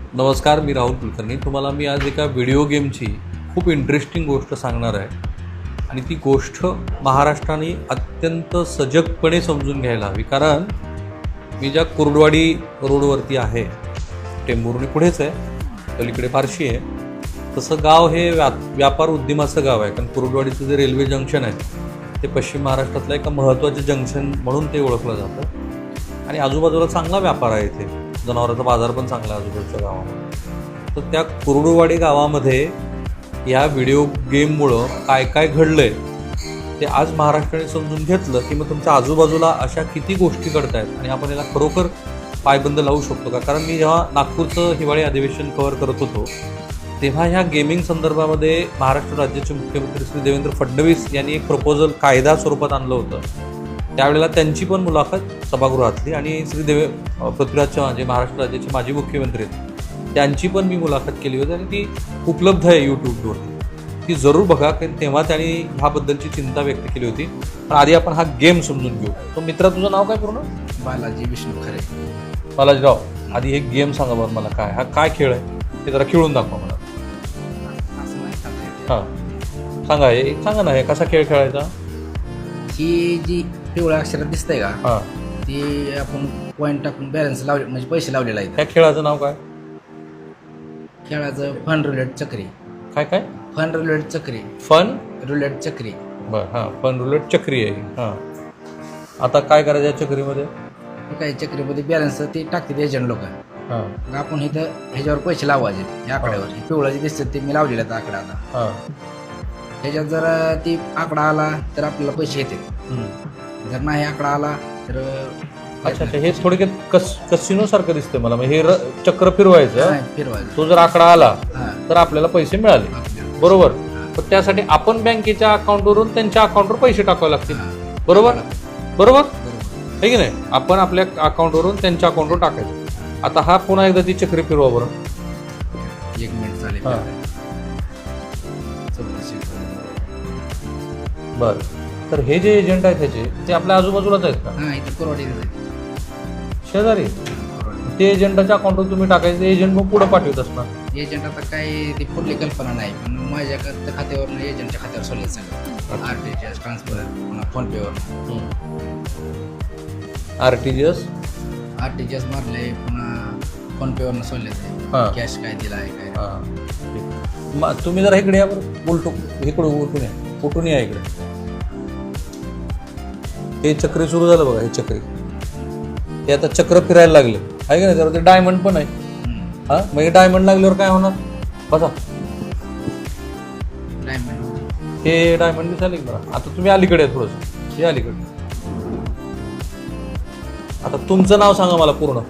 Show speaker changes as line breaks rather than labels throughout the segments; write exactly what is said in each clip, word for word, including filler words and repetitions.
नमस्कार, मी राहुल कुलकर्णी. तुम्हाला मी आज एका व्हिडिओ गेमची खूप इंटरेस्टिंग गोष्ट सांगणार आहे आणि ती गोष्ट महाराष्ट्राने अत्यंत सजगपणे समजून घ्यायला हवी. कारण मी ज्या कुर्डवाडी रोडवरती आहे, टेंभुर्णी पुढेच आहे, पलीकडे फारशी आहे, तसं गाव हे व्या व्यापार उद्यमाचं गाव आहे. कारण कुर्डवाडीचं जे रेल्वे जंक्शन आहे ते पश्चिम महाराष्ट्रातलं एका महत्त्वाचं जंक्शन म्हणून ते ओळखलं जातं आणि आजूबाजूला चांगला व्यापार आहे. इथे जनावरांचा बाजार पण चांगला आहे आजूबाजूच्या गावामध्ये. तर त्या कुर्डुवाडी गावामध्ये या व्हिडिओ गेममुळं काय काय घडलं आहे ते आज महाराष्ट्राने समजून घेतलं की मग तुमच्या आजूबाजूला अशा किती गोष्टी घडत आहेत आणि आपण याला खरोखर पायबंद लावू शकतो का. कारण मी जेव्हा नागपूरचं हिवाळी अधिवेशन कव्हर करत होतो तेव्हा ह्या गेमिंग संदर्भामध्ये महाराष्ट्र राज्याचे मुख्यमंत्री श्री देवेंद्र फडणवीस यांनी एक प्रपोजल कायदा स्वरूपात आणलं होतं. त्यावेळेला त्यांची पण मुलाखत सभागृहातली आणि श्री देवे पृथ्वीराज चव्हाण जे महाराष्ट्र राज्याचे माजी मुख्यमंत्री आहेत त्यांची पण मी मुलाखत केली होती आणि ती उपलब्ध आहे यूट्यूबवरती. ती जरूर बघा, कारण तेव्हा त्यांनी ह्याबद्दलची चिंता व्यक्त केली होती. पण आधी आपण हा गेम समजून घेऊ. तो मित्रा, तुझं नाव काय पूर्ण?
बालाजी विष्णू खरे.
बालाजीराव, आधी एक गेम सांगा बरं मला, काय हा काय खेळ आहे ते जरा खेळून दाखवा मला. हां सांगा, हे सांगा ना, हे कसा खेळ खेळायचा.
ही जी पिवळ्या अक्षरात दिसतंय का,
हां,
ती आपण पॉईंट टाकून बॅलन्स लावले म्हणजे पैसे लावलेला आहे.
त्या खेळाचं नाव काय?
खेळाचं फन रुलेट चक्री.
काय काय?
फन रुलेट चक्री.
फन
रुलेट चक्री.
बरं, हां, फन रुलेट चक्री आहे. हां, आता काय करायचं या चक्रीमध्ये?
काही चक्रीमध्ये बॅलन्स ते टाकतात एजंट लोक.
हां
मग आपण इथं ह्याच्यावर पैसे लावायचे या आकड्यावर. हे पिवळा जे दिसतात ते मी लावलेलं आहे आकडा. आता
हां,
ह्याच्यात जर ती आकडा आला तर आपल्याला पैसे येतात. जर नाही आकडा आला तर
अच्छा अच्छा, हे थोडक्यात कस कसिनो सारखं दिसतंय मला. म्हणजे हे र चक्र फिरवायचं,
नाही फिरवायचं.
तो जर आकडा आला
हां,
तर आपल्याला पैसे मिळाले,
आपल्याला
बरोबर.
हां,
पण त्यासाठी आपण बँकेच्या अकाउंटवरून त्यांच्या अकाउंटवर पैसे टाकावे लागतील,
हां.
बरोबर बरोबर
बरोबर.
आहे की नाही. आपण आपल्या अकाउंटवरून त्यांच्या अकाउंटवर टाकायचं. आता हा पुन्हा एकदा ती चक्री फिरवा बरं.
एक मिनिट चालेल.
हां.
चौकशी
बरं, तर हे जे एजंट आहेत त्याचे ते आपल्या आजूबाजूलाच आहेत का?
हां, इथं कोरवाडी
शेजारी. ते एजंटाच्या अकाउंटवर तुम्ही टाकायचं, एजंट मग पुढं पाठवत असणार.
एजंट आता काही ती पुढली कल्पना नाही, पण माझ्या खात्या- खात्यावरून एजंटच्या खात्यावर सोडलं सांगितलं. R T G S transfer पुन्हा फोनपेवर
R T G S
R T G S मारले, पुन्हा फोनपेवरनं सोडले.
हां.
कॅश काय दिला आहे काय.
हां, ठीक. मग तुम्ही जरा इकडे या बरं, उलटू इकडं उलटून या, उलटून या इकडे. हे चक्री सुरू झालं बघा, हे चक्री हे आता चक्र फिरायला लागले आहे का नाही. त्यावर ते डायमंड पण आहे.
हम्म.
हां, मग हे डायमंड लागल्यावर काय होणार बघा.
डायमंड
हे डायमंड दिसायला की बघा. आता तुम्ही अलीकडे आहे थोडंसं, हे अलीकडे. आता तुमचं नाव सांगा मला पूर्ण.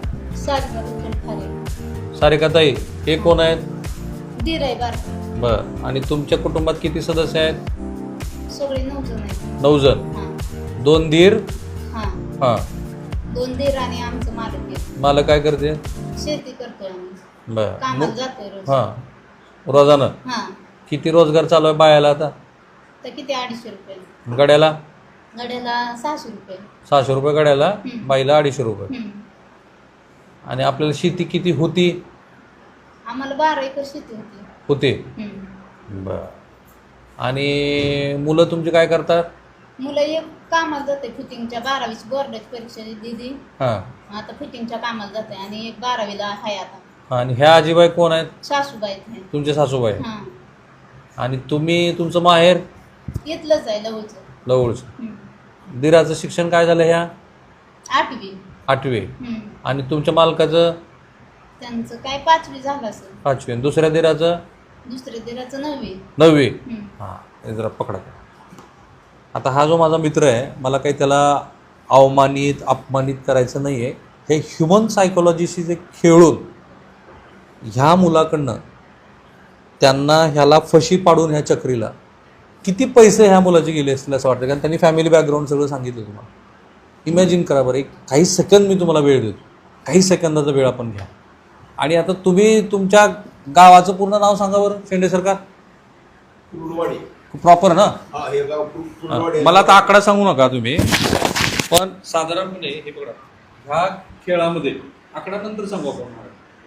सारिकाताई, हे कोण आहेत?
दीर आहे बार.
बरं, आणि तुमच्या कुटुंबात किती सदस्य आहेत?
सगळे नऊ जण आहेत.
नऊ जण.
हां
दोन दीर.
हां
हां,
दोन दीर आणि आमचं मालक आहे.
मला काय करते?
शेती करतोय आम्ही.
बरं.
कामाला जातोय रोज.
हां, रोजानं
हां
किती रोजगार चालू आहे बायाला आता?
तर किती अडीचशे रुपये
गड्याला?
गड्याला सहाशे रुपये.
सहाशे रुपये गड्याला,
हं.
बाईला अडीचशे रुपये.
हम्म.
आणि आपल्याला शेती किती होती?
आम्हाला बारा एकर शेती होती.
होते.
हम्म.
बरं. आणि मुलं तुमची काय करतात?
मुलं एक कामाला जाते फिटिंगच्या, बारावीची बोर्डाची परीक्षा दिली,
हां,
आता फिटिंगच्या कामाला जाते. आणि एक बारावीला आहे आता.
आणि ह्या आजीबाई कोण आहेत?
सासूबाई आहेत.
तुमचे सासूबाई.
हां,
आणि तुम्ही, तुमचं माहेर?
इथलंच आहे लवचं.
जवळचं.
हम्म.
दिराचं शिक्षण काय झालं ह्या?
आठवी.
आठवे.
हम्म.
आणि तुमच्या मालकाचं?
त्यांचं काय पाचवी झालं असेल.
पाचवे. आणि दुसऱ्या दिराचं?
दुसऱ्या दिराचं नववी.
नववी.
हम्म.
हां, हे जरा पकडा. आता हा जो माझा मित्र आहे, मला काही त्याला अवमानित अपमानित करायचं नाही आहे. हे ह्युमन सायकोलॉजीशी जे खेळून ह्या मुलाकडनं त्यांना ह्याला फशी पाडून ह्या चक्रीला किती पैसे ह्या मुलाचे गेले असतील असं वाटतं. कारण त्यांनी फॅमिली बॅकग्राऊंड सगळं सांगितलं तुम्हाला. इमॅजिन करा बरं, एक काही सेकंद मी तुम्हाला वेळ देतो, काही सेकंदाचा वेळ आपण घ्या. आणि आता तुम्ही तुमच्या गावाचं पूर्ण नाव सांगा बरं, शेंडे सरकार.
कुर्डवाडी
प्रॉपर ना?
हा हे गाव कुर्डवाडी.
मला आता आकडा सांगू नका तुम्ही, पण साधारणपणे हे बघा, ह्या खेळामध्ये आकडा नंतर सांगू आपण.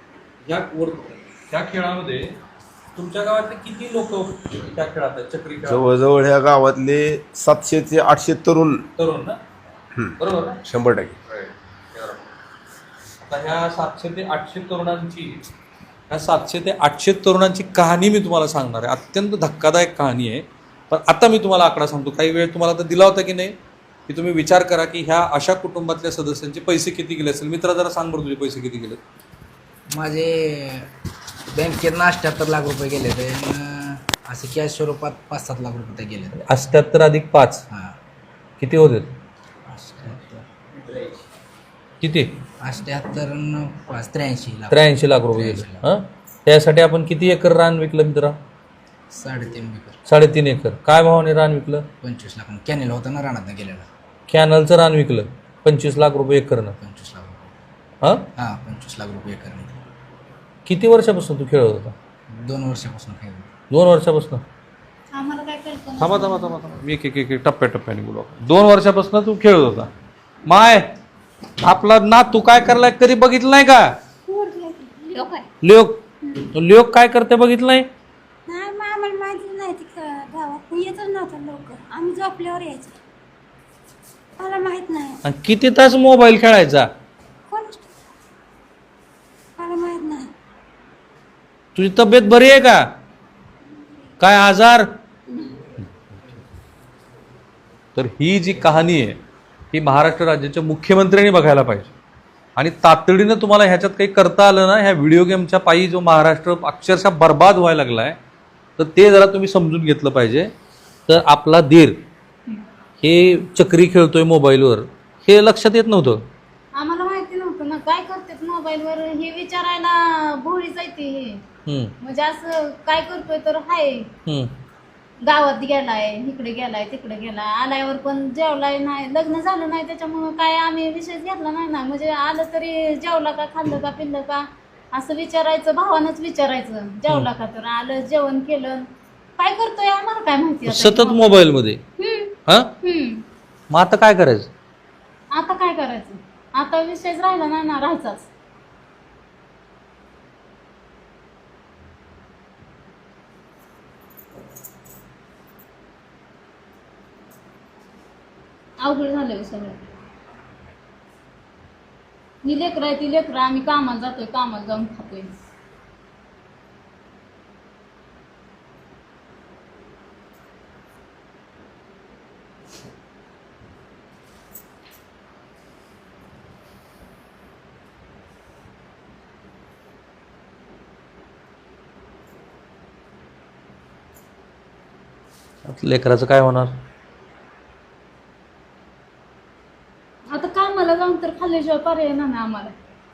ह्या वर त्या खेळामध्ये तुमच्या गावातले किती लोक त्या खेळात आहेत चक्री खेळात?
जवळजवळ ह्या गावातले सातशे ते आठशे तरुण
तरुण ना बरोबर ना
शंभर टक्के.
आता ह्या सातशे ते आठशे तरुणांची ह्या सातशे ते आठशे तरुणांची कहाणी मी तुम्हाला सांगणार आहे. अत्यंत धक्कादायक कहाणी आहे. पण आता मी तुम्हाला आकडा सांगतो. काही वेळ तुम्हाला तर दिला होता की नाही की तुम्ही विचार करा की ह्या अशा कुटुंबातल्या सदस्यांचे पैसे किती गेले असेल. मित्रा जरा सांग बरं तुझे पैसे किती गेले.
माझे बँकेत अठ्ठ्याहत्तर लाख रुपये गेले ते असे कॅश स्वरूपात पाच सात लाख रुपये गेले.
अठ्ठ्याहत्तर अधिक पाच
हां
किती होते
अठ्ठ्याहत्तर
किती
अठ्ठ्याहत्तर न पाच त्र्याऐंशी लाख
त्र्याऐंशी लाख रुपये गेले. हां त्यासाठी आपण किती एकर रान विकलं मित्रा.
साडेतीन एकर
साडेतीन एकर. काय भावाने रान विकलं.
पंचवीस लाख कॅनेल होता ना रानात गेलेला.
कॅनलचं रान विकलं पंचवीस लाख रुपये एकरनं.
पंचवीस लाख रुपये
हां
हां पंचवीस लाख रुपये एकर.
किती वर्षापासून तू खेळत होता.
दोन वर्षापासून खेळ.
दोन वर्षापासून.
आम्हाला काय कल्पना
थांबा थांबा थांबा थांबा मी एक एक एक एक टप्प्याटप्प्याने बोलू आपण. दोन वर्षापासून तू खेळत होता. माय आपला ना तू काय करलाय कधी बघितलं नाही का.
लोक आहे.
लोक लोक काय करते बघितलं नाही.
नाही मग आम्हाला माहिती नाही ती गावात येतच नव्हतं लवकर. आम्ही झोपल्यावर यायचो. मला माहित नाही.
आणि किती तास मोबाईल खेळायचा.
कोण मला माहित नाही.
तुझी तब्येत बरी आहे का. काय आजार. तर ही जी कहाणी आहे ही महाराष्ट्र राज्याच्या मुख्यमंत्र्यांनी बघायला पाहिजे. आणि तातडीनं तुम्हाला ह्याच्यात काही करता आलं ना. ह्या व्हिडिओ गेमच्या पायी जो महाराष्ट्र अक्षरशः बर्बाद व्हायला लागला आहे तर ते जरा तुम्ही समजून घेतलं पाहिजे. तर आपला धीर हे चक्री खेळतोय मोबाईलवर हे लक्षात येत नव्हतं.
आम्हाला माहिती नव्हतं ना काय करतात मोबाईलवर हे विचारायला भोळी जायते हे.
हम्म,
म्हणजे असं काय करतोय तर हाय
हम्म.
गावात गेलाय इकडे गेलाय तिकडे गेलाय आल्यावर पण जेवलाय नाही लग्न झालं नाही त्याच्यामुळं काय आम्ही विषय घेतला नाही ना. म्हणजे आलं तरी जेवला का खाल्लं का पिल्लं का असं विचारायचं. भावानंच विचारायचं जेवला का तर आलं जेवण केलं काय करतोय आम्हाला काय माहिती आता.
सतत मोबाईलमध्ये.
हम्म,
हा
हम्म.
मग आता काय करायचं.
आता काय करायचं. आता विषयच राहिला नाही ना राहायचाच. अवघड झालं सगळं. ही लेकरं आहे ती लेकरं आम्ही कामाला जातोय कामाला जाऊन खातोय.
लेकराचं काय होणार.
आता कामाला जाऊन तर खाल्ल्याशिवाय पर्याय नाही आम्हाला.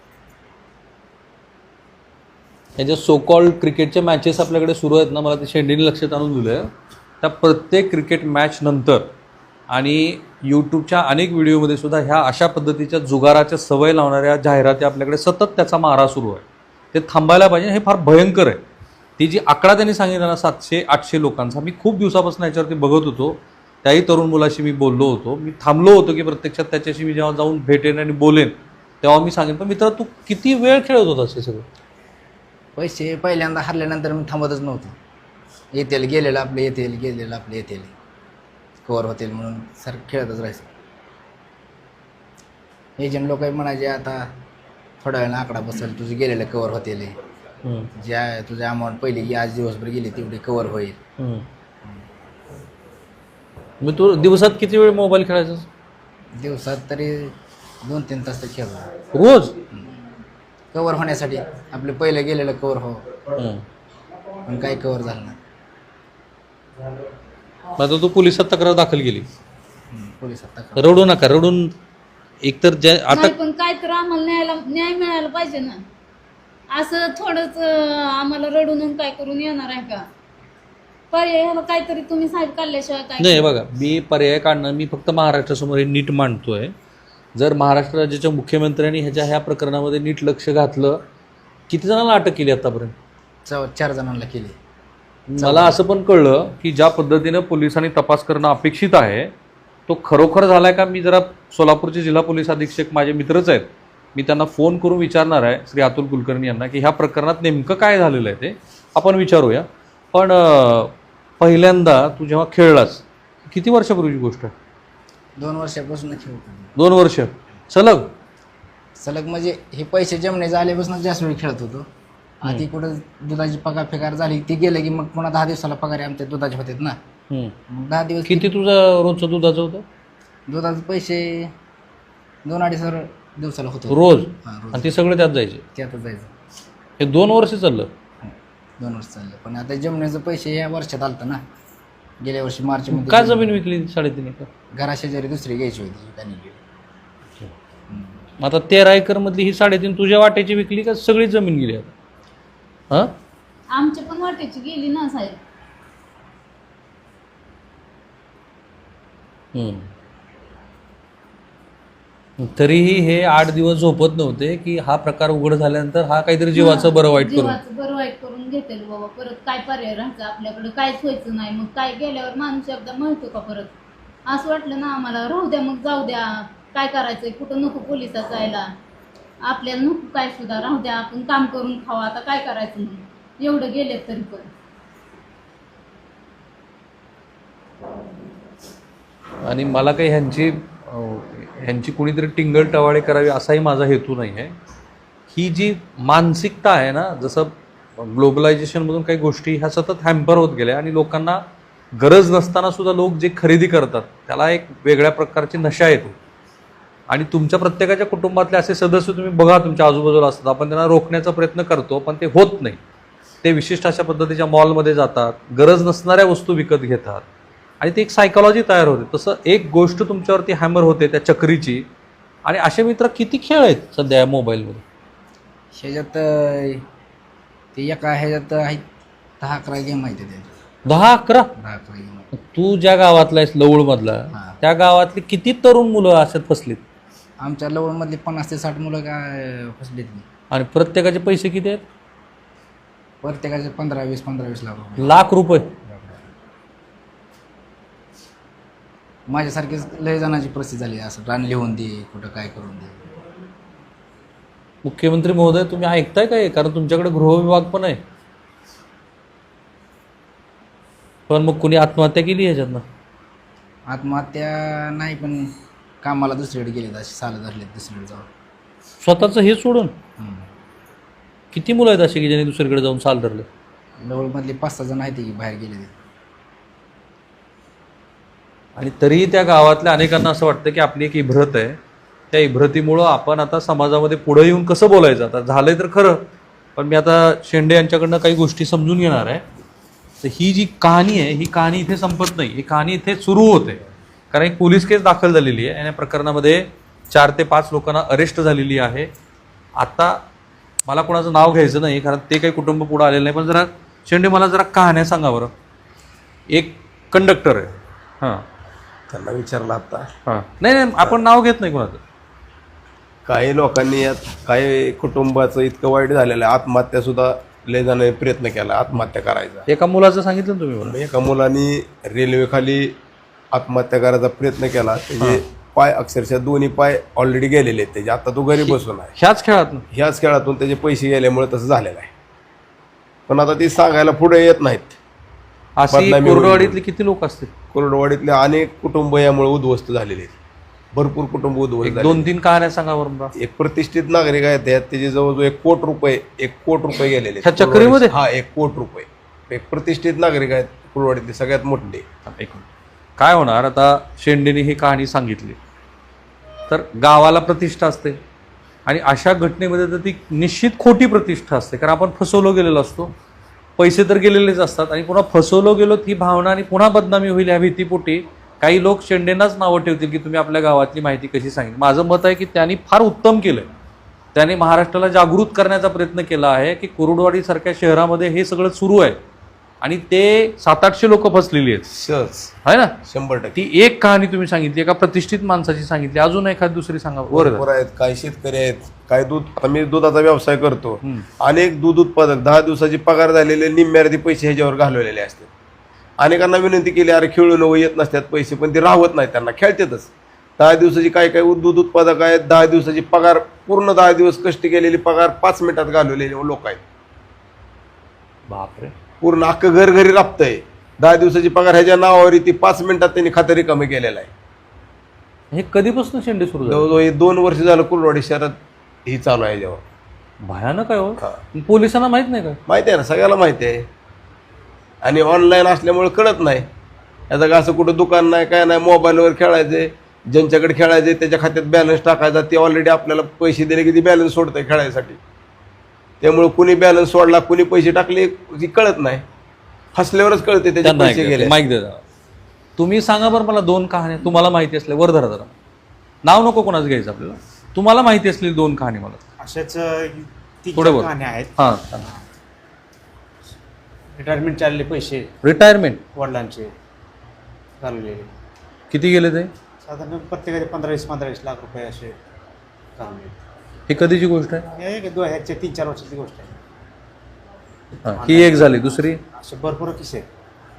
हे जे सो कॉल्ड क्रिकेटच्या मॅचेस आपल्याकडे सुरू आहेत ना. मला ते शेंडीने लक्षात आणून दिलं आहे. त्या प्रत्येक क्रिकेट मॅच नंतर आणि यूट्यूबच्या अनेक व्हिडिओमध्ये सुद्धा ह्या अशा पद्धतीच्या जुगाराच्या सवय लावणाऱ्या जाहिराती आपल्याकडे सतत त्याचा मारा सुरू आहे. ते थांबायला पाहिजे. हे फार भयंकर आहे. ती जी आकडा त्यांनी सांगितला ना सातशे आठशे लोकांचा मी खूप दिवसापासून याच्यावरती बघत होतो. त्याही तरुण मुलाशी मी बोललो होतो. मी थांबलो होतो की प्रत्यक्षात त्याच्याशी मी जेव्हा जाऊन भेटेन आणि बोलेन तेव्हा मी सांगेन. पण मित्र तू किती वेळ खेळत होतास हे सगळं.
पैसे पहिल्यांदा हरल्यानंतर मी थांबतच नव्हतो. येतील गेलेलं आपले येतील गेलेलं आपले येतील कवर होतील म्हणून सर खेळतच राहायचं. एजंट लोक म्हणायचे आता थोड्या वेळानं आकडा बसेल तुझे गेलेलं कवर होतील. ज्या तुझ्या अमाऊंट पहिली की आज दिवसभर गेली तेवढी कवर होईल.
मग तू दिवसात किती वेळ मोबाईल खेळायचा.
दिवसात तरी दोन तीन तास तर खेळतो
रोज.
कवर होण्यासाठी आपले पहिले गेलेलं कवर हो पण काही कवर झालं नाही.
आता तू पोलिसात तक्रार दाखल केली.
पोलिसात तक्रार
रडू नका. रडून एकतर ज्या आता
नाही पण काय तर आम्हाला न्यायला न्याय मिळायला पाहिजे ना. असं थोडंच आम्हाला रडून काय करून येणार आहे का. पर्याय ह्याला काहीतरी तुम्ही साहेब काढल्याशिवाय काय.
नाही बघा मी पर्याय काढणार. मी फक्त महाराष्ट्रासमोर हे नीट मांडतोय. जर महाराष्ट्र राज्याच्या मुख्यमंत्र्यांनी ह्याच्या ह्या प्रकरणामध्ये नीट लक्ष घातलं. किती जणांना अटक केली आतापर्यंत.
चौ चार जणांना केली.
मला असं पण कळलं की ज्या पद्धतीनं पोलिसांनी तपास करणं अपेक्षित आहे तो खरोखर झालाय का. मी जरा सोलापूरचे जिल्हा पोलीस अधीक्षक माझे मित्रच आहेत मी त्यांना फोन करून विचारणार आहे श्री अतुल कुलकर्णी यांना की ह्या प्रकरणात नेमकं काय झालेलं आहे ते आपण विचारूया. पण अं, पहिल्यांदा तू जेव्हा खेळलास किती वर्षापूर्वीची गोष्ट आहे?
दोन वर्षापासून खेळतो
दोन वर्ष सलग?
सलग म्हणजे हे पैसे जमणे झाल्यापासून जास्त वेळ खेळत होतो. आधी कुठं दुधाची पगार फेकार झाली ती गेले की मग पुन्हा दहा दिवसाला पगार आमच्या दुधाचे होते ना. मग दहा दिवस
किती तुझं रोजचं दुधाचं होतं?
दुधाचे पैसे दोन अडीच हजार दिवसाला होतो
रोज?
हां रोज.
आणि ते सगळे त्यात जायचे?
त्यातच जायचं.
हे दोन वर्ष चाललं?
दोन वर्ष चाललं. पण आता जमण्याचं पैसे या वर्षात आलतं ना. गेल्या वर्षी मार्च मध्ये
का जमीन विकली साडेतीन एकर?
घराशेजारी दुसरी घ्यायची होती त्यांनी गेली.
मग आता तेरा एकर मधली ही साडेतीन तुझ्या वाट्याची विकली का सगळी जमीन गेली आता? हां
आमच्या पण वाटेची गेली ना साहेब.
तरीही हे आठ दिवस झोपत नव्हते की हा प्रकार उघड झाल्यानंतर हा काहीतरी जीवाचं बरं वाईट करून.
जीवाचं बरं वाईट करून घेतेल बाबा. परत काय पर्याय राहायचं आपल्याकडे? काहीच व्हायचं नाही. मग काय गेल्यावर माणूस एकदा म्हणतो का परत? असं वाटलं ना आम्हाला राहू द्या मग जाऊ द्या. काय करायचंय? कुठं नको पोलिसात जायला. आपल्याला नको काय सुद्धा राहू द्या. आपण काम करून खावा. आता काय करायचं म्हणून एवढं गेले तरी पण.
आणि मला काही ह्यांची ह्यांची कुणीतरी टिंगल टवाळे करावी असाही माझा हेतू नाही आहे. ही जी मानसिकता आहे ना, जसं ग्लोबलायझेशनमधून काही गोष्टी ह्या सतत हॅम्पर होत गेल्या आणि लोकांना गरज नसताना सुद्धा लोक जे खरेदी करतात त्याला एक वेगळ्या प्रकारची नशा येते. आणि तुमच्या प्रत्येकाच्या कुटुंबातले असे सदस्य तुम्ही बघा तुमच्या आजूबाजूला असतात. आपण त्यांना रोखण्याचा प्रयत्न करतो पण ते होत नाही. ते विशिष्ट अशा पद्धतीच्या मॉलमध्ये जातात, गरज नसणाऱ्या वस्तू विकत घेतात आणि ती एक सायकॉलॉजी तयार होते. तसं एक गोष्ट तुमच्यावरती हॅमर होते त्या चक्रीची. आणि असे मित्र किती खेळ आहेत सध्या या मोबाईलमध्ये?
ह्याच्यात अं, ते एका ह्याच्यात आहेत दहा अकरा गेम आहेत त्याच्यात.
दहा अकरा?
दहा अकरा गेम आहेत.
तू ज्या गावातला आहेस लवळमधला,
हां.
त्या गावातली किती तरुण मुलं अशात फसलीत?
आमच्या लवणमधली पन्नास ते साठ मुलं काय फसलीत नाही.
आणि प्रत्येकाचे पैसे किती आहेत?
प्रत्येकाचे पंधरा वीस पंधरा वीस लाख रुपये.
लाख रुपये.
माझ्यासारखीच लय जणांची परिस्थिती झाली. असं रान लिहून दे, कुठं काय करून दे.
मुख्यमंत्री महोदय तुम्ही ऐकताय काय? कारण तुमच्याकडे गृहविभाग पण आहे. पण मग कुणी आत्महत्या केली ह्याच्यातनं?
आत्महत्या नाही पण कामाला दुसरीकडे गेलेत असे साल धरलेत दुसरीकडे जाऊन.
स्वतःचं हे सोडून
हम्म.
किती मुलं आहेत अशी की ज्यांनी दुसरीकडे जाऊन साल धरले?
लवळमधले पाच सहा जण आहेत की बाहेर गेले.
आणि तरीही त्या गावातल्या अनेकांना असं वाटतं की आपली एक इब्रत आहे. त्या इब्रतीमुळं आपण आता समाजामध्ये पुढे येऊन कसं बोलायचं? आता झालंय तर खरं, पण मी आता शेंडे यांच्याकडनं काही गोष्टी समजून घेणार आहे. तर ही जी कहाणी आहे ही कहाणी इथे संपत नाही. ही कहाणी इथे सुरू होते. कारण एक पोलीस केस दाखल झालेली आहे आणि या प्रकरणामध्ये चार ते पाच लोकांना अरेस्ट झालेली आहे. आता मला कोणाचं नाव घ्यायचं नाही कारण ते काही कुटुंब पुढं आलेलं नाही. पण जरा शेंडे मला जरा कहाण्या सांगा बरं. एक कंडक्टर आहे. हां
त्यांना विचारलं आता.
हां नाही नाही आपण नाव घेत नाही कोणाचं.
काही लोकांनी यात काही कुटुंबाचं इतकं वाईट झालेलं आहे, आत्महत्या सुद्धा लय जणांनी प्रयत्न केला आत्महत्या करायचा.
एका मुलाचं सांगितलं ना तुम्ही मला.
एका मुलांनी रेल्वेखाली आत्महत्या करायचा प्रयत्न केला. त्याचे पाय अक्षरशः दोन्ही पाय ऑलरेडी गेलेले आहेत त्याचे. आता तो घरी बसून आहे.
ह्याच खेळात ना?
ह्याच खेळातून त्याचे पैसे गेल्यामुळे तसं झालेलं आहे. पण आता ती सांगायला पुढे येत नाहीत.
अशी
बदनामी होईल.
कोरडवाडीतले किती लोक असतील?
कोरडवाडीतले अनेक कुटुंब यामुळे उद्ध्वस्त झालेले आहेत. भरपूर कुटुंब उद्ध्वस्त
एक
झाले.
दोन तीन कहाण्या सांगा बरं मला.
एक प्रतिष्ठित नागरिक आहेत त्यात त्याचे जवळजवळ एक कोट रुपये एक कोट रुपये गेलेले आहेत.
ह्या चक्रीमध्ये?
हा एक कोट रुपये. एक प्रतिष्ठित नागरिक आहेत कुरवाडीतले सगळ्यात मोठे.
एक मिनिट. काय होणार आता शेंडेने ही कहाणी सांगितली तर गावाला प्रतिष्ठा असते आणि अशा घटनेमध्ये तर ती निश्चित खोटी प्रतिष्ठा असते. कारण आपण फसवलो गेलेलो असतो, पैसे तर गेलेलेच असतात आणि पुन्हा फसवलो गेलो ही भावना आणि पुन्हा बदनामी होईल ह्या भीतीपोटी काही लोक शेंडेंनाच नावं ठेवतील की तुम्ही आपल्या गावातली माहिती कशी सांगितली. माझं मत आहे की त्यांनी फार उत्तम केलं. त्याने महाराष्ट्राला जागृत करण्याचा प्रयत्न केला आहे की कुरुडवाडीसारख्या शहरामध्ये हे सगळं सुरू आहे आणि ते सात आठशे लोक फसलेली आहेत.
सहज
आहे ना?
शंभर टक्के.
ती एक कहाणी तुम्ही सांगितली, एका प्रतिष्ठित माणसाची सांगितली. अजून एखादी दुसरी सांगा.
बरोबर आहेत. काही शेतकरी आहेत, काही दूध. आता मी दुधाचा व्यवसाय करतो. अनेक दूध उत्पादक दहा दिवसाची पगार झालेले निम्म्यार्धी पैसे ह्याच्यावर घालवलेले असतात. अनेकांना विनंती केली अरे खेळून येत नसतात पैसे, पण ते राहत नाहीत. त्यांना खेळतातच. दहा दिवसाची काय काय दूध उत्पादक आहेत, दहा दिवसाची पगार पूर्ण दहा दिवस कष्ट केलेली पगार पाच मिनिटात घालवलेले लोक आहेत.
बापरे.
पूर्ण अख्खं घर घरी राबतंय. दहा दिवसाची पगार ह्याच्या नावावर ती पाच मिनिटात त्यांनी खातं रिकामी केलेलं आहे.
हे कधीपासून शेंडे सुरू झाले?
जवळजवळ हे दोन वर्ष झालं कुलवाडी शहरात ही चालू आहे जेव्हा.
भयानक आहे हो.
हा.
पोलिसांना माहित नाही का?
माहिती आहे ना, सगळ्याला माहिती आहे. आणि ऑनलाईन असल्यामुळे कळत नाही. याचं का असं कुठं दुकान नाही काय नाही, मोबाईलवर खेळायचे, ज्यांच्याकडे खेळायचे त्याच्या खात्यात बॅलन्स टाकायचा, ते ऑलरेडी आपल्याला पैसे दिले की ती बॅलन्स सोडतंय खेळायसाठी. त्यामुळे कुणी बॅलन्स सोडला, कुणी पैसे टाकले ती कळत नाही. हसल्यावरच कळते त्याचे पैसे गेले.
माहिती द्या. तुम्ही सांगा बरं मला दोन कहाण्या तुम्हाला माहिती असल्या, वर धरा जरा, नाव नको कोणाचं घ्यायचं आपल्याला, तुम्हाला माहिती असलेली दोन कहाणी मला
अशाच तीन
थोडं बोल.
कहाण्या आहेत.
हां.
रिटायरमेंट चालले पैसे
रिटायरमेंट
वडिलांचे घालवलेले,
किती गेले ते?
साधारण प्रत्येकाचे पंधरा वीस पंधरा वीस लाख रुपये असे घालवले.
ही कधीची गोष्ट आहे?
हे एक दोन ह्याच्या तीन चार वर्षाची गोष्ट आहे.
हां, ही एक झाली. दुसरी,
असे भरपूर किस्से आहेत.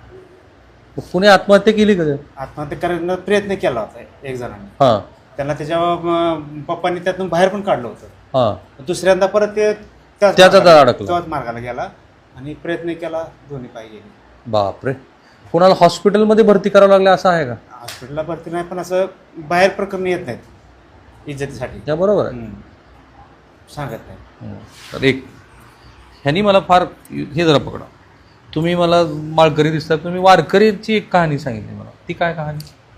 कुणी आत्महत्या केली का?
आत्महत्या करण्याचा प्रयत्न केला होता एक जणांनी.
हां
त्यांना त्याच्या अं, पप्पांनी त्यातून बाहेर पण काढलं होतं.
हां.
दुसऱ्यांदा परत ते त्याच
त्याचा
मार्गाला-
जाळ अडकला.
त्याच मार्गाला गेला आणि प्रयत्न केला, दोन्ही पाय गेले.
बापरे. कोणाला हॉस्पिटलमध्ये भरती करावं लागलं असं आहे का?
हॉस्पिटलला भरती नाही, पण असं बाहेर प्रकरण येत नाहीत इज्जतीसाठी.
त्या बरोबर आहे.
हम्म. सांगत नाही.
हं. तर एक ह्यांनी मला फार हे जरा पकडा, तुम्ही मला माळकरी दिसतात, तुम्ही वारकरीची एक कहाणी सांगितली मला, ती काय कहाणी?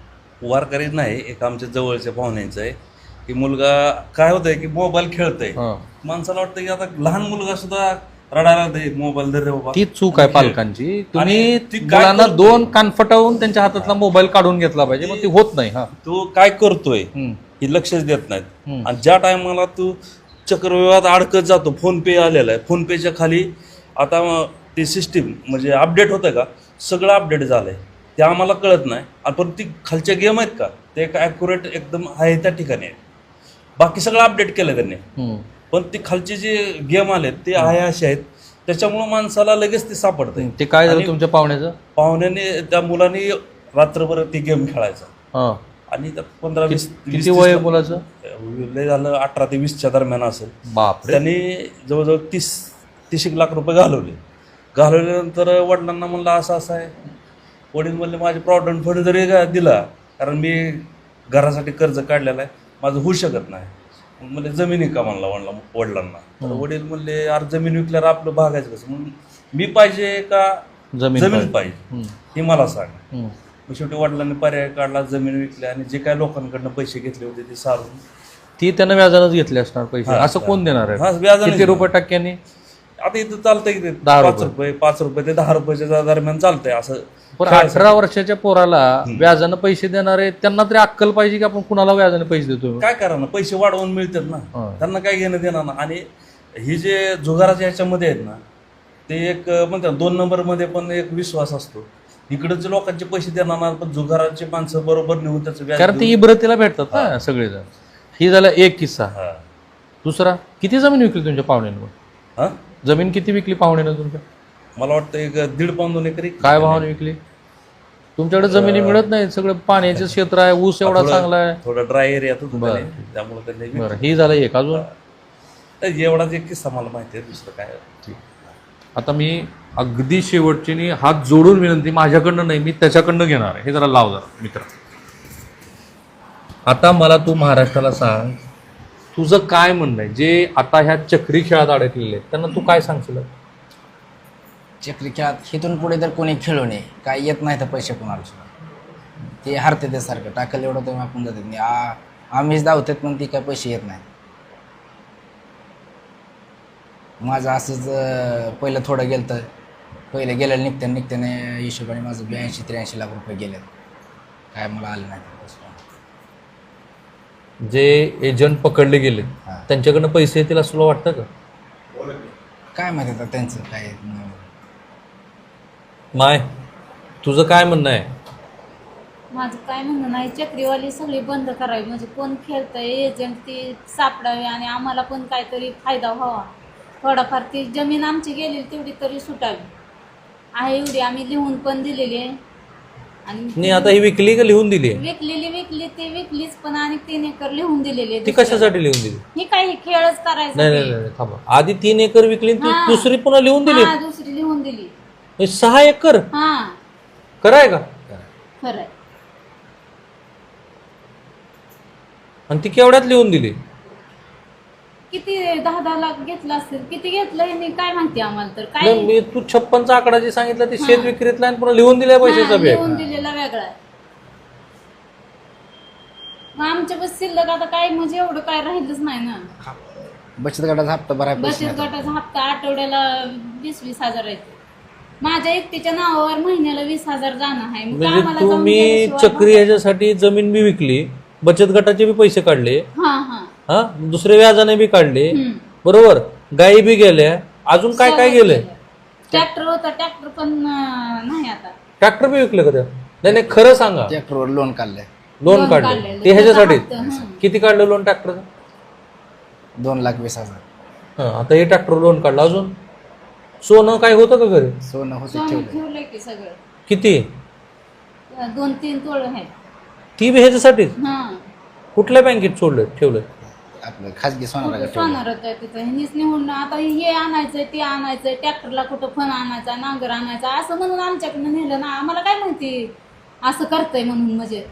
वारकरी नाही, एक आमच्या जवळच्या पाहुण्यांचं आहे की मुलगा काय होतंय की मोबाईल खेळतोय.
हां.
माणसाला वाटतं की आता लहान मुलगा सुद्धा रडायला दे मोबाईल दे रे बाबा.
ती चूक आहे पालकांची. तुम्ही
आणि ती काय
मुलांना
करतोय?
दोन कानफटावून त्यांच्या हातातला मोबाईल काढून घेतला पाहिजे, मग ती होत नाही. हा.
तो काय करतोय
हं.
हे लक्षच देत नाहीत.
हं.
आणि ज्या टायमाला तू चक्रव्यूहात अडकत जातो, फोन पे आलेला आहे, फोन पेच्या खाली आता ती सिस्टीम म्हणजे अपडेट होतं का, सगळं अपडेट झालंय, ते आम्हाला कळत नाही. आणि पण ती खालच्या गेम आहेत का, ते एक ॲक्युरेट एकदम आहे त्या ठिकाणी आहे. बाकी सगळं अपडेट केलं त्यांनी,
हं.
पण ते खालचे जे गेम आलेत ते आहे असे आहेत, त्याच्यामुळं माणसाला लगेच ते सापडतंय.
ते काय झालं
आणि
तुमच्या पाहुण्याचं?
पाहुण्याने त्या मुलाने रात्रभर ती गेम खेळायचा
हा.
आणि त्या पंधरा वीस
किती वय आहे मुलाचं?
लय झालं अठरा ते वीसच्या दरम्यान असेल.
बापरे.
त्यांनी जवळजवळ तीस तीस एक लाख रुपये घालवले. घालवल्यानंतर वडिलांना म्हणलं असं असं आहे. वडील म्हणले माझे प्रॉव्हिडंट फंड जरी दिला, कारण मी घरासाठी कर्ज काढलेलं आहे, माझं होऊ शकत नाही. म्हणजे जमिनी का म्हणला वडला वडिलांना. तर वडील म्हणले यार जमीन विकल्यावर आपलं भागायचं कसं, म्हणून मी पाहिजे का
जमीन
जमीन
पाहिजे.
पाहिजे
हं.
हे मला सांग.
हं.
मग शेवटी वडिलांनी पर्याय काढला, जमीन विकल्या आणि जे काय लोकांकडनं पैसे घेतले होते ते सारून
ती त्यानं व्याजानंच घेतले असणार पैसे.
हा,
असं कोण देणार
हा,
आहे?
व्याजाने
किती रुपये
देणार.
टक्क्यांनी?
आता इथं चालतंय की ते
दहा
पाच
रुपये.
रुपये पाच रुपये ते दहा रुपयाच्या दरम्यान चालतंय असं.
पण
खेळायचं.
अठरा वर्षाच्या पोराला व्याजानं पैसे देणारे त्यांना तरी अक्कल पाहिजे की आपण कुणाला व्याजाने पैसे देतो.
काय करा ना, पैसे वाढवून मिळतात ना,
हा.
त्यांना काय घेणं देणार ना. आणि ही जे जुगाराच्या ह्याच्यामध्ये आहेत ना, ते एक म्हणतात दोन नंबरमध्ये पण एक विश्वास असतो. इकडचे लोकांचे पैसे देणार ना, पण जुगाराचे माणसं बरोबर नेऊन त्याचं व्याज
कारण ते
देऊन-
इब्रतीला भेटतात ना सगळेजण. ही झाला एक किस्सा.
हा.
दुसरा, किती जमीन विकली तुमच्या पाहुण्यानं?
हा?
जमीन किती विकली पाहुण्यानं तुमच्या?
मला वाटतं एक दीड पाऊन दोन एकरी.
काय भावाने विकली? तुमच्याकडे जमिनी मिळत नाही, सगळं पाण्याचं क्षेत्र आहे, ऊस एवढा
थोडं-
चांगला आहे.
थोडं ड्राय एरियात होतं
बरं.
त्याने, त्यामुळे त्यांनी
बरं, ही झालं एक. अजून
एवढाच एक किस्सा मला माहिती आहे, दुसरं काय.
आता मी अगदी शेवटची नी हात जोडून विनंती, माझ्याकडनं नाही, मी त्याच्याकडनं घेणार आहे. हे जरा लाव जरा मित्र. आता मला तू महाराष्ट्राला सांग, तुझं काय म्हणणं आहे जे आता ह्या चक्री खेळात अडकलेले आहेत त्यांना तू काय सांगशील?
चक्री खेळात इथून पुढे तर कोणी खेळू नये, काय येत नाही तर पैसे कोणाला सुद्धा. ते हरते ते सारखं टाकलं एवढं तर आपण जातात नाही. आ आम्हीच धावतात पण ती काय पैसे येत नाही. माझं असंच अं, पहिलं थोडं गेलं तर पहिलं गेलं निघत्या निघत्याने हिशोबाने माझं ब्याऐंशी त्र्याऐंशी लाख रुपये गेले, काय मला आले नाही पैसे.
जे एजंट पकडले गेले
हा.
त्यांच्याकडनं पैसे येतील असं तुला वाटतं का?
काय माहिती आता त्यांचं काय.
माय, तुझं काय म्हणणं आहे?
माझं काय म्हणणं नाही, चक्रीवाली सगळी बंद करावी, म्हणजे कोण खेळतंय एजंट ती सापडावी आणि आम्हाला पण काहीतरी फायदा व्हावा. थोडाफार ती जमीन आमची गेलेली तेवढी तरी सुटावी आहे, एवढी आम्ही लिहून पण दिलेली आहे. आणि
नाही आता ही विकली का लिहून दिली आहे?
विकलेली विकली ती विकलीच पण आणि तीन एकर लिहून दिलेली आहे
ती
दुसऱ्याला.
कशासाठी लिहून दिली?
ही काही खेळच करायचा
नाही नाही
ते.
नाही थांबा, आधी तीन एकर विकली आणि ती
हा.
दुसरी पुन्हा लिहून दिली.
हा दुसरी लिहून दिली.
हे सहा एकर
हा
कराय का?
खरंय.
आणि ती केवढ्यात लिहून दिली?
किती दहा दहा लाख घेतला असेल, किती घेतलं हे मी काय माहिती आम्हाला तर काय
नाही, मी तू छप्पनचा आकडा जे सांगितला ते शेत विक्रीतला आणि पुन्हा लिहून दिल्या पैशाचा
हा,
बॅग.
लिहून दिलेला वेगळा आहे. मग आमच्या बस शिल्लक आता काय म्हणजे एवढं काय राहिलंच नाही ना.
बचत गटाचा हप्ता भराय पैसे
बचत
नाही.
गटाचा हप्ता आठवड्याला वीस वीस हजार आहे. माझ्या एकटीच्या नावावर महिन्याला वीस हजार जाणं आहे. मग
म्हणजे
आम्हाला जाऊन
तुम्ही
गेल्याशिवाय
चक्री ह्याच्यासाठी जमीन बी विकली, बचत गटाचे बी पैसे काढले,
हा हा
हा दुसरे व्याजाने बी काढले,
हम्म.
बरोबर, गायी बी गेल्या, अजून काय काय गेलंय?
ट्रॅक्टर होता, ट्रॅक्टर पण अं, नाही आता.
ट्रॅक्टर बी विकले का त्या? नाही नाही खरं सांगा.
ट्रॅक्टरवर लोन काढलंय
लोन
लोन
काढले
काढलेलं.
ते ह्याच्यासाठी
त्याचा हप्ता, हं.
किती काढलं लोन ट्रॅक्टरचं?
दोन लाख वीस हजार.
हा आता हे ट्रॅक्टर लोन काढलं. अजून सोनं काय होतं का घरी?
सोनं होतं
सोनं
ठेवलंय.
ठेवलंय की सगळं.
किती?
दोन तीन तोळ आहेत.
ती बी ह्याच्यासाठी
हा
कुठल्या बँकेत सोडलं ठेवलं?
आपलं खाजगी सोनाला ठेवलंय.
सोनार होतं तिथं. ह्यांनीच निवडून आता हे आणायचंय ते आणायचंय, ट्रॅक्टरला कुठं फण आणायचा, नांगर आणायचा असं म्हणून आमच्याकडनं नेलं ना. आम्हाला काय माहिती असं करतंय म्हणून. म्हणजे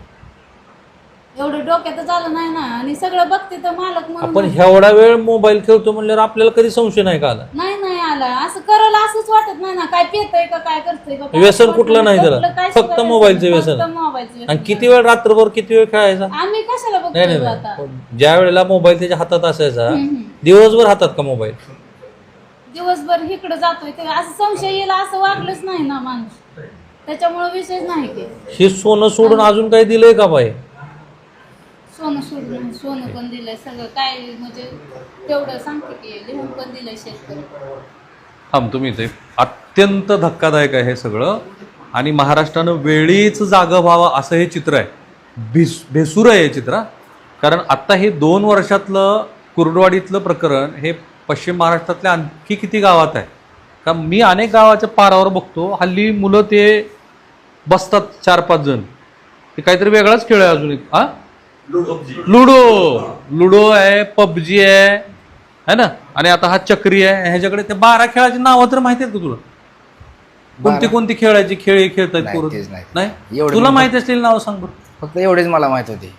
एवढं डोक्यातच आलं नाही ना. आणि सगळं बघते तर मालक
आपण
म्हणून
एवढा वेळ मोबाईल खेळतो म्हणल्यावर आपल्याला कधी संशय नाही का आला?
नाही नाही आला. असं करायला असंच वाटत नाही ना. काय पितय का काय करतोय का काय
व्यसन
वाटत
कुठलं नाही त्याला.
कुठलं काय
फक्त
सुद्धा
मोबाईलचं
फक्त
व्यसन.
मोबाईलचं व्यसन.
आणि किती वेळ रात्रभर किती वेळ खेळायचा?
आम्ही कशाला
नाही
बघतोय
नाही
आता.
नाही ज्या वेळेला मोबाईल त्याच्या हातात असायचा
हम्म.
दिवसभर हातात का मोबाईल?
दिवसभर इकडे जातोय ते असं संशय येईल असं वागलंच नाही ना माणूस. त्याच्यामुळे विषयच नाही की
हे सोनं सोडून अजून काही दिलंय का बाई?
सोनं सोडून नाही. सोनं पण दिलंय सगळं काय म्हणजे तेवढं सांगते की लिहून पण दिलंय शेतकरी.
थांब तुम्ही इथे. अत्यंत धक्कादायक आहे हे सगळं आणि महाराष्ट्रानं वेळीच जागं व्हावं असं हे चित्र आहे. भिस भेसूर आहे हे चित्र हा. कारण आत्ता हे दोन वर्षातलं कुर्डवाडीतलं प्रकरण हे पश्चिम महाराष्ट्रातल्या आणखी किती गावात आहे का? मी अनेक गावाच्या पारावर बघतो हल्ली मुलं ते बसतात चार पाच जण, ते काहीतरी वेगळाच खेळ आहे अजून एक. हा लुडो लुडो आहे, पबजी आहे है ना, आणि आता हा चक्री आहे. ह्याच्याकडे ते बारा खेळाची नावं तर माहिती आहेत का तुला? कोणती कोणती खेळायची खेळ हे खेळतायत
नाही,
पोरं?
तेच नाही.
नाही
एवढं
तुला
मी-
माहिती असलेली नावं सांग बरं.
फक्त एवढेच मला माहित होते.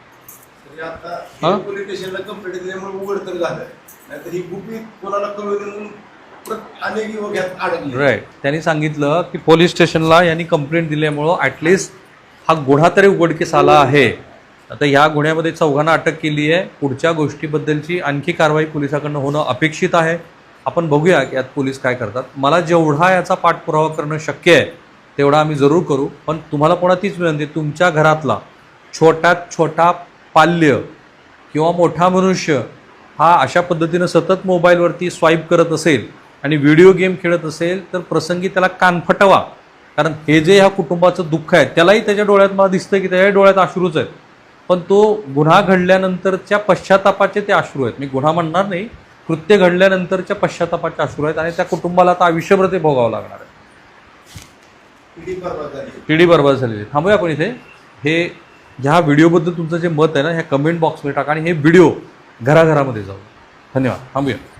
हा?
पोलीस स्टेशनला कंप्लेंट दिल्यामुळे उघड तर झालं. नाहीतर ही गुपित कोणाला कळवली म्हणून परत अनेक युवक यात अडकले.
राईट. त्यांनी सांगितलं की पोलीस स्टेशनला यांनी कंप्लेंट दिल्यामुळं ॲटलिस्ट हा गुन्हा तरी उघडकीस आला आहे. आता ह्या गुन्ह्यामध्ये चौघांना अटक केली आहे. पुढच्या गोष्टीबद्दलची आणखी कारवाई पोलिसाकडनं होणं अपेक्षित आहे. आपण बघूया की यात पोलीस काय करतात. मला जेवढा याचा पाठपुरावा करणं शक्य आहे तेवढा आम्ही जरूर करू. पण तुम्हाला पुन्हा तीच विनंती, तुमच्या घरातला छोट्यात छोटा पाल्य किंवा मोठा मनुष्य हा अशा पद्धतीनं सतत मोबाईलवरती स्वाईप करत असेल आणि व्हिडिओ गेम खेळत असेल तर प्रसंगी त्याला कानफटवा. कारण हे जे ह्या कुटुंबाचं दुःख आहे त्यालाही त्याच्या डोळ्यात मला दिसतं की त्याच्या डोळ्यात अश्रूच आहेत. पण तो गुन्हा घडल्यानंतरच्या पश्चातापाचे ते अश्रू आहेत. मी गुन्हा म्हणणार नाही, कृत्य घडल्यानंतरच्या पश्चातापाचे अश्रू आहेत आणि त्या कुटुंबाला आता आयुष्यभर ते भोगावं लागणार आहे.
पिढी बरबाद झाली.
पिढी बरबाद झालेली. थांबूया आपण इथे. हे ह्या व्हिडिओबद्दल तुमचं जे मत आहे ना ह्या कमेंट बॉक्समध्ये टाका आणि हे व्हिडिओ घराघरामध्ये जाऊ. धन्यवाद. थांबूया.